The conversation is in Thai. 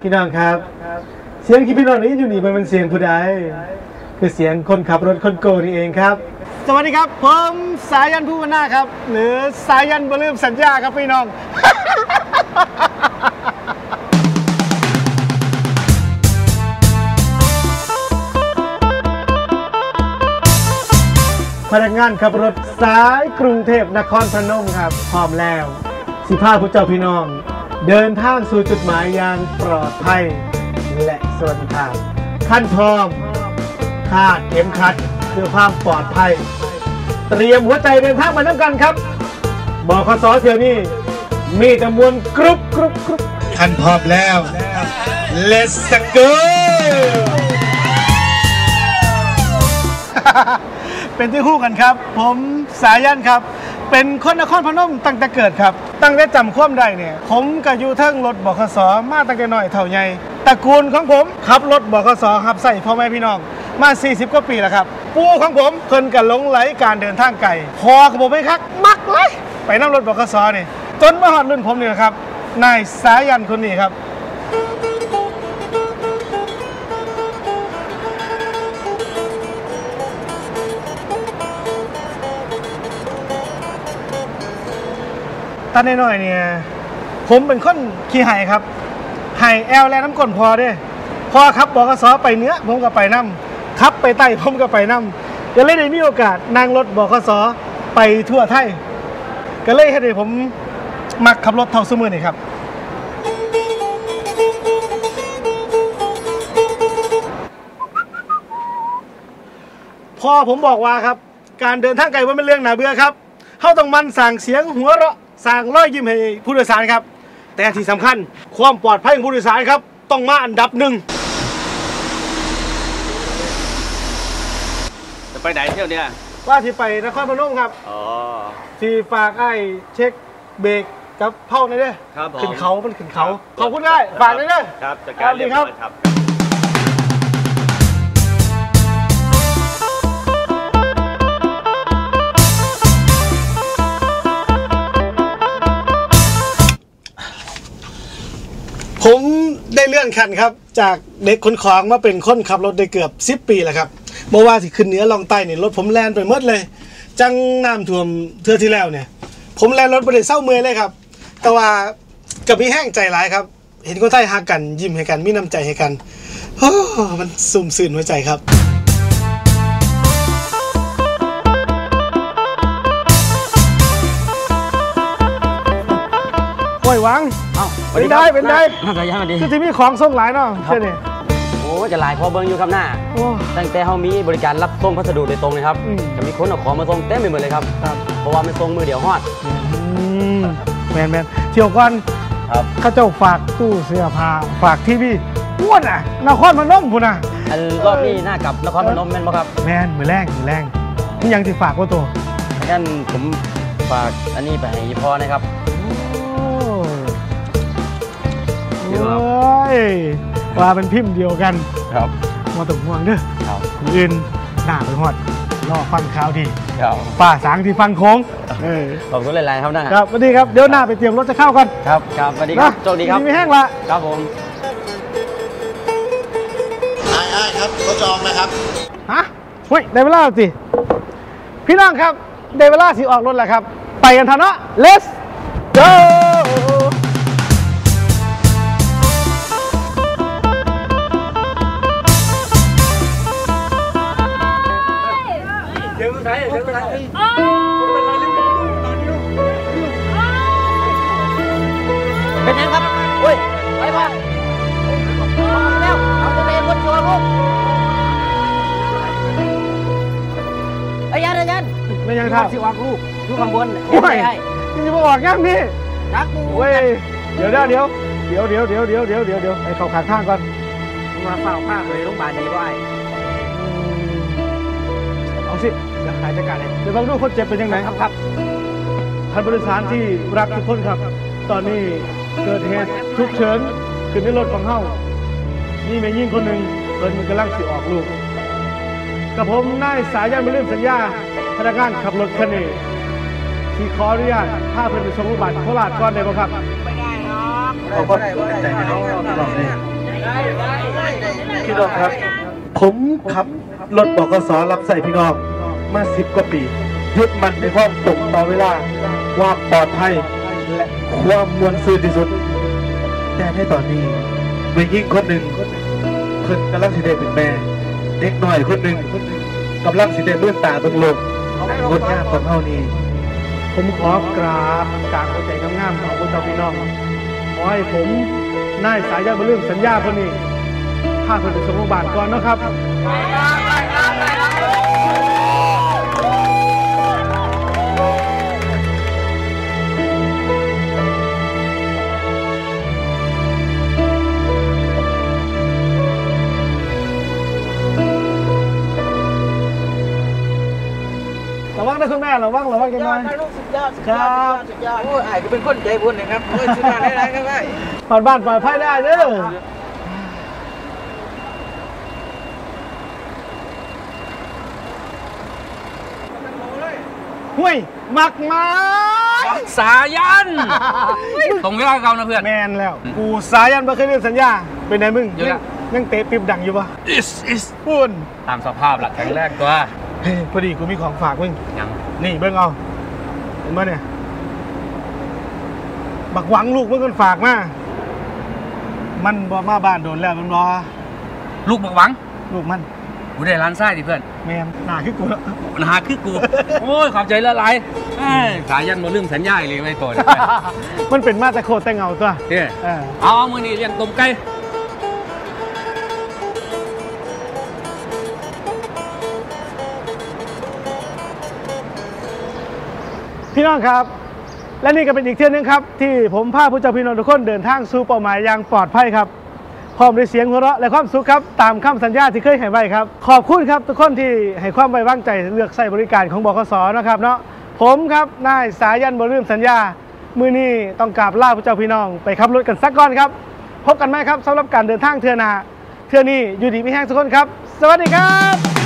พี่น้องครับเสียงที่พี่น้องนี้อยู่นี่มันเป็นเสียงผู้ใดคือเสียงคนขับรถคนโกนี่เองครับสวัสดีครับผมสายันผู้วนาครับหรือสายันบ่ลืมสัญญาครับพี่น้อง พนักงานขับรถสายกรุงเทพนครพนมครับพร้อมแล้วสิพาผู้เจ้าพี่น้องเดินทางสู่จุดหมายอย่างปลอดภัยและสวัสดิภาพขั้นพร้อมคาดเข็มขัดเพื่อความปลอดภัยเตรียมหัวใจเดินทางมาน้ำกันครับบขส.เที่ยวนี้มีจำนวนกรุ๊ปขั้นพร้อมแล้ว Let's go เป็นที่คู่กันครับผมสายันครับเป็นคนนครพนมตั้งแต่เกิดครับตั้งแต่จำความได้เนี่ยผมก็อยู่เทิงรถบขส.มาตั้งแต่น้อยเท่าใหญ่ตระกูลของผมขับรถบขส.ขับใส่พ่อแม่พี่น้องมา40กว่าปีแล้วครับปู่ของผมเพิ่นก็หลงไหลการเดินทางไกลพอกับผมไม่คักมักเลยไปนั่งรถบขส.นี่จนมาฮอดรุ่นผมนี่ครับนายสายันคนนี้ครับตอนน้อยๆเนี่ยผมเป็นคนขี้ไห่ครับไห่แอลและน้ำก้นพอเด้พอครับบขส.ไปเหนือผมก็ไปน้ำขับไปใต้ผมก็ไปน้ำก็เลยได้มีโอกาสนั่งรถบขส.ไปทั่วไทยก็เลยให้ผมมักขับรถเท่าสมือนี่ครับพ่อผมบอกว่าครับการเดินทางไกลว่าเป็นเรื่องน่าเบื่อครับเขาต้องมันสั่งเสียงหัวเราะสั่งร้อยยิ้มให้ผู้โดยสารครับแต่ที่สำคัญความปลอดภัยของผู้โดยสารครับต้องมาอันดับหนึ่งจะไปไหนเที่ยวเนี่ยว่าที่ไปนครพนมครับที่ฝากไอ้เช็คเบรกกับเผาในเด้อขึ้นเขามันขึ้นเขาขอบคุณได้ฝากเลยเด้อครับจัดการเรียบร้อยครับผมได้เลื่อนขั้นครับจากเด็กขนของมาเป็นคนขับรถได้เกือบ10 ปีแล้วครับเมื่อว่าสิขึ้นเหนือลองใต้เนี่ยรถผมแล่นไปหมดเลยจังน้ำท่วมเทื่อที่แล้วเนี่ยผมแล่นรถไปได้เศร้าเมื่อยเลยครับแต่ว่ากับมีแห้งใจร้ายครับเห็นคนไทยฮักกันยิ้มให้กันมีน้ำใจให้กันโอ้มันสุ่มสื่นหัวใจครับห่วยวังเป็นได้สายันมาดีคือที่มีของส่งหลายเนาะใช่เนี่ยโอ้จะหลายพอเบิ้งอยู่ครับหน้าตั้งแต่เขามีบริการรับส่งพัสดุโดยตรงเลยครับจะมีคนเอาของมาส่งเต็มไปหมดเลยครับเพราะว่ามันส่งมือเดียวฮอดแมนเที่ยวก่อนเขาเจ้าฝากตู้เสื้อผ้าฝากทีวีอ้วนอ่ะนครพนมพุ่นอ่ะรอบนี้หน้ากับนครพนมแม่นบ่ครับแมนมือแรงนี่ยังที่ฝากว่าตัวงั้นผมฝากอันนี้ไปให้พ่อนะครับโอ้ยว่าเป็นพิมพ์เดียวกันครับมาตกห่วงเด้อครับอื่นหน้าไปหอดรอฟังข่าวดีป่าสางที่ฟังโค้งขอบคุณหลายๆครับนะครับสวัสดีครับเดี๋ยวหน้าไปเตรียมรถจะเข้ากันครับสวัสดีครับโชคดีครับไม่แห้งละครับผมไอ้ครับเขาจองนะครับฮะเฮ้ยได้เวลาสิพี่น้องครับได้เวลาสิออกรถแล้วครับไปกันทันเนาะ Let's go เป็นไงครับโอ้ยไปป่ะแล้วเอาตัวเองคนชัวร์ลูกยันไม่ยังครับสิวางลูกข้างบนไม่จะมาออกยังนี่รักกูเว้ยเดี๋ยวให้เขาขาข้างก่อนมาเฝ้าผ้าเลยโรงพยาบาลดีป่ะเอาสิเดี๋ยวหายจัดการเลยเดี๋ยวลองดูคนเจ็บเป็นยังไงครับท่านผู้โดยสารที่รักทุกคนครับตอนนี้เกิดเหตุฉุกเฉินขึ้นในรถของเฮานี่แม่ยิ่งคนหนึ่งเพิ่นกำลังสิออกลูกกับผมนายสายันบ่ลืมสัญญาพนักงานขับรถคันนี้ที่ขออนุญาตพาเพิ่นไปส่งโรงพยาบาลโคราชก่อนได้บ่ครับไม่ได้หรอกขอบคุณใจให้น้องรอบนี้พี่น้องครับ ผมขับรถบกสรับใส่พี่น้องมา10 กว่าปียึดมันในความตรงต่อเวลาความปลอดภัยและความมวลซื่นที่สุด แต่ในตอนนี้มียิ่งคนหนึ่งเพิ่นกำลังสิได้เป็นแม่เด็กน้อยคนหนึ่งกำลังสิได้เลื่อนตาเบิ่งโลกงดงามของเฮานี่ผมขอกราบกราบหัวใจงามๆของคุณเจ้าพี่น้องขอให้ผมนายสายันบ่ลืมสัญญาคนนี้พาเพิ่นไปส่งโรงพยาบาลก่อนเนาะครับ ระวังนะคุณแม่ระวังกันหน่อยลูกสุดยอดครับสุดยอดโอ้ยไอ้ก็เป็นคนใจบุญนะครับโอ้ยสุดยอดได้ครับไอ้ผ่านบ้านปลอดภัยได้เด้อห่วยมักไม้สายัน ตรงเวลาเก่านะเพื่อนแมนแล้ว กูสายันบ่เคยเล่นสัญญา เป็นไงมึงเยอะละยังเตะปิ๊บดังอยู่ปะ is พูนตามสภาพหลักแข็งแรกตัวเฮ้ยพอดีกูมีของฝากมึงยังนี่เบิ่งเอาเห็นไหมเนี่ย บักหวังลูกมึงกันฝากมา มันบ่มาบ้านโดนแล้วมันบ่ลูกบักหวังลูกมันกูได้ร้านไส้ดิเพื่อนแมนหน้าคือกูแล้วปัญหาคือกู โอ้ยขอบใจละลายเอ้ยสายันมาลืมสัญญาเลยไม่ตัวเลยมันเป็นมาแต่โคตรแต่เงาตัวเฮ้ยเออเอามือนี่เลี้ยงต้มไก่พี่น้องครับ และนี่ก็เป็นอีกเที่ยวนึงครับ ที่ผมพาผู้เจ้าพี่น้องทุกคนเดินทางสู่เป้าหมายอย่างปลอดภัยครับพร้อมด้วยเสียงหัวเราะและความสุขครับตามคำสัญญาที่เคยให้ไว้ครับขอบคุณครับทุกคนที่ให้ความไว้วางใจเลือกใช้บริการของบขสนะครับเนาะผมครับนายสายันบ่ลืมสัญญามื้อนี้ต้องกราบลาผู้เจ้าพี่น้องไปขับรถกันสักก่อนครับพบกันไหมครับสำหรับการเดินทางเทื่อหน้าเทื่อนี้อยู่ดีมีแห้งทุกคนครับสวัสดีครับ